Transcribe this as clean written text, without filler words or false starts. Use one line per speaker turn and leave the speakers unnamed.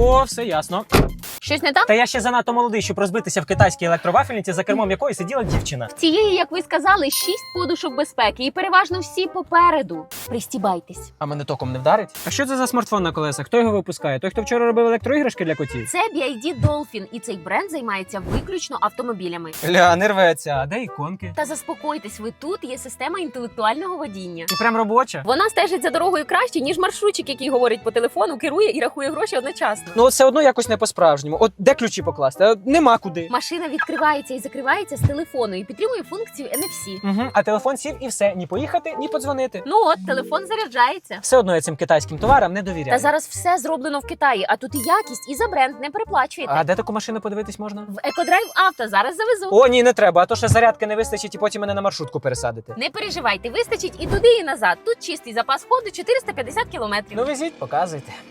О, все ясно.
Щось не так?
Та я ще занадто молодий, щоб розбитися в китайській електровафельниці, за кермом якої сиділа дівчина.
В цієї, як ви сказали, 6 подушок безпеки і переважно всі попереду. Пристібайтесь.
А мене током не вдарить? А що це за смартфон на колесах? Хто його випускає? Той, хто вчора робив електроіграшки для котів?
Це BYD Dolphin, і цей бренд займається виключно автомобілями.
Ля, не рветься. А де іконки?
Та заспокойтесь, ви тут є система інтелектуального водіння.
І прям робоча?
Вона стежить за дорогою краще, ніж маршрутчик, який говорить по телефону, керує і рахує гроші одночасно.
Ну от все одно якось не по-справжньому. От де ключі покласти? А нема куди.
Машина відкривається і закривається з телефону і підтримує функцію NFC.
Угу. А телефон сів і все. Ні поїхати, ні подзвонити.
Ну от, телефон заряджається.
Все одно я цим китайським товарам не довіряю.
Та зараз все зроблено в Китаї, а тут і якість, і за бренд не переплачуєте.
А де таку машину подивитись можна?
В Екодрайв Авто зараз завезу.
О, ні, не треба, а то ще зарядки не вистачить і потім мене на маршрутку пересадити.
Не переживайте, вистачить і туди, і назад. Тут чистий запас ходу 450 кілометрів.
Ну везіть, показуйте.